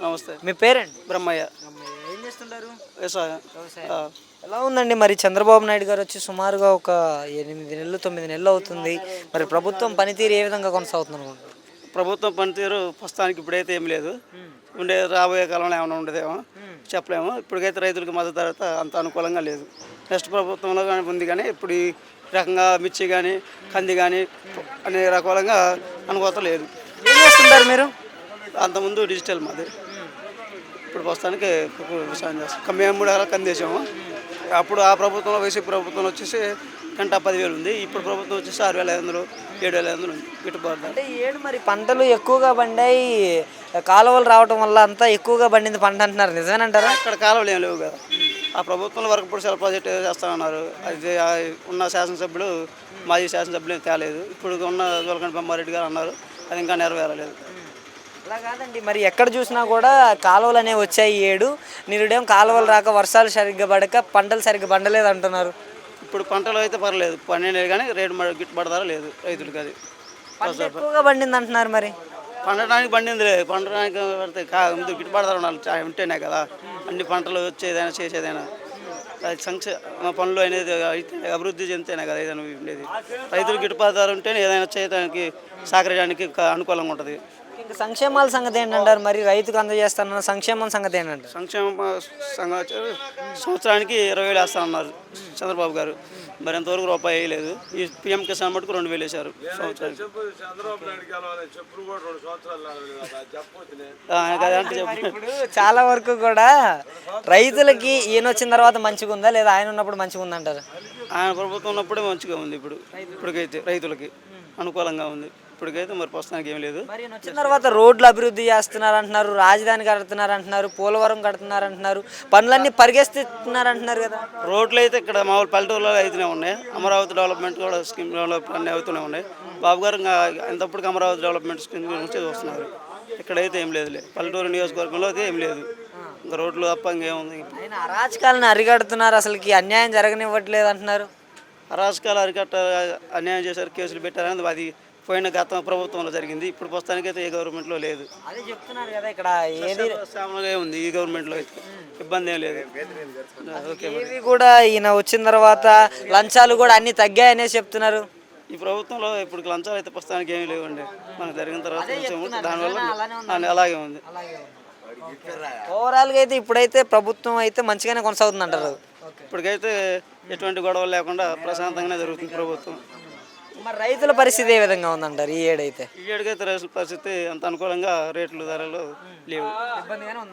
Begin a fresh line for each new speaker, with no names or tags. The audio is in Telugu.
నమస్తే.
మీ పేరండి?
బ్రహ్మయ్య.
ఏం చేస్తుంటారు?
వ్యవసాయం.
ఎలా ఉందండి మరి చంద్రబాబు నాయుడు గారు వచ్చి సుమారుగా ఒక 8 నెలలు 9 నెలలు అవుతుంది. మరి ప్రభుత్వం పనితీరు ఏ విధంగా కొనసాగుతుంది అనుకుంటున్నారు?
ప్రభుత్వం పనితీరు ప్రస్తుతానికి ఇప్పుడైతే ఏం లేదు. రాబోయే కాలంలో ఏమైనా ఉండదేమో చెప్పలేము. ఇప్పటికైతే రైతులకు మద్దతు ధర అంత అనుకూలంగా లేదు. నెక్స్ట్ ప్రభుత్వంలో కానీ ఉంది, కానీ ఇప్పుడు ఈ రకంగా మిర్చి కానీ కంది కానీ అనే రకాలుగా అనుకోత లేదు.
ఏం చేస్తుంటారు మీరు?
అంతకుముందు డిజిటల్ మాది. ఇప్పుడు ప్రస్తుతానికి వ్యవసాయం చేస్తాం. మేము 3 ఎకరాలు కంది వేసాము. అప్పుడు ఆ ప్రభుత్వంలో వైసీపీ ప్రభుత్వంలో వచ్చేసి గంట 10,000 ఉంది. ఇప్పుడు ప్రభుత్వం వచ్చేసి 6,500 7,500 ఉంది గిట్టుబాటు.
అంటే ఏడు మరి పంటలు ఎక్కువగా పండాయి, కాలువలు రావటం వల్ల అంతా ఎక్కువగా పండింది పంట అంటున్నారు, నిజమేనంటారా?
అక్కడ కాలువలు ఏం లేవు కదా. ఆ ప్రభుత్వంలో వరకు ఇప్పుడు సెల్ ప్రాజెక్ట్ చేస్తామన్నారు. అది ఉన్న శాసనసభ్యులు మాజీ శాసనసభ్యులు ఏం తేలేదు. ఇప్పుడు ఉన్న జోలకంటి బొమ్మారెడ్డి గారు అన్నారు, అది ఇంకా నెరవేరలేదు.
అలా కాదండి, మరి ఎక్కడ చూసినా కూడా కాలువలు అనేవి వచ్చాయి ఏడు, నిరుడేం కాలువలు రాక వర్షాలు సరిగ్గా పడక పంటలు సరిగ్గా పండలేదు అంటున్నారు.
ఇప్పుడు పంటలు అయితే పర్లేదు, పండినవి కానీ రేటు గిట్టుబాటు ధర లేదు రైతులకి. అది
ఎక్కువగా పండింది అంటున్నారు. మరి
పండడానికి పండింది లేదు. పండడానికి పడితే ముందు గిట్టుబాటు ధర ఉండాలి, ఉంటేనే కదా అన్ని పంటలు వచ్చేదైనా చేసేదైనా. అది సంక్షేమ పనులు అనేది అయితే అభివృద్ధి చెందితేనే కదా ఏదైనా ఉండేది. రైతులు గిట్టుబాటు ధర ఉంటేనే ఏదైనా చేయడానికి సహకరించడానికి అనుకూలంగా ఉంటుంది.
ఇంకా సంక్షేమాల సంగతి ఏంటంటారు? మరి రైతుకు అందజేస్తానన్న సంక్షేమం సంగతి ఏంటంటారు?
సంక్షేమ సంవత్సరానికి 20,000 వేస్తానన్నారు చంద్రబాబు గారు. మరి ఎంతవరకు రూపాయి వేయలేదు. ఈ పిఎం కిసాన్ మటుకు 2,000 వేశారు సంవత్సరానికి.
ఇప్పుడు చాలా వరకు కూడా రైతులకి ఈయన వచ్చిన తర్వాత మంచిగా ఉందా లేదా ఆయన ఉన్నప్పుడు మంచిగా ఉందంటారు?
ఆయన ప్రభుత్వం ఉన్నప్పుడే మంచిగా ఉంది. ఇప్పటికైతే రైతులకి అనుకూలంగా ఉంది. ఇప్పటికైతే మరి ప్రస్తుతానికి ఏం లేదు.
మరి వచ్చిన తర్వాత రోడ్లు అభివృద్ధి చేస్తున్నారు అంటున్నారు, రాజధాని కడుతున్నారు అంటున్నారు, పోలవరం కడుతున్నారు అంటున్నారు, పనులన్నీ పరిగెత్తుతున్నారు అంటున్నారు కదా.
రోడ్లు అయితే ఇక్కడ మామూలు పల్లెటూరులో అయితేనే ఉన్నాయి. అమరావతి డెవలప్మెంట్ కూడా స్కీమ్ డెవలప్ అన్నీ అవుతూనే ఉన్నాయి. బాబు గారు ఎంతప్పటికి అమరావతి డెవలప్మెంట్ స్కీమ్ గురించి చూస్తున్నారు. ఇక్కడైతే ఏం లేదు. పల్లెటూరు నియోజకవర్గంలో అయితే ఏం లేదు. ఇంకా రోడ్లు తప్ప ఇంకేముంది.
ఆయన అరాచకాలను అరికడుతున్నారు, అసలుకి అన్యాయం జరగనివ్వట్లేదు అంటున్నారు.
అరాచకాలు అన్యాయం చేశారు, కేసులు పెట్టారని అది పోయిన గత ప్రభుత్వంలో జరిగింది. ఇప్పుడు ప్రస్తుతానికి అయితే ఏ గవర్నమెంట్లో లేదు.
అదే చెప్తున్నారు కదా, ఇక్కడ ఏది
ఉంది. ఈ గవర్నమెంట్లో అయితే ఇబ్బంది ఏం లేదు.
ఏవి కూడా ఈయన వచ్చిన తర్వాత లంచాలు కూడా అన్ని తగ్గాయనే చెప్తున్నారు.
ఈ ప్రభుత్వంలో ఇప్పుడు లంచాలు అయితే ప్రస్తుతానికి ఏమీ లేవండి. మనకు జరిగిన తర్వాత దానివల్ల అలాగే ఉంది.
ఓవరాల్గా అయితే ఇప్పుడైతే ప్రభుత్వం అయితే మంచిగానే కొనసాగుతుంది అంటారు.
ఇప్పటికైతే ఎటువంటి గొడవలు లేకుండా ప్రశాంతంగానే జరుగుతుంది ప్రభుత్వం.
మరి రైతుల పరిస్థితి ఏ విధంగా ఉందంటారు ఈ ఏడైతే?
ఈ ఏడుకైతే రైతుల పరిస్థితి అంత అనుకూలంగా రేట్లు ధరలు లేవు.
ఇబ్బందిగానే ఉంది.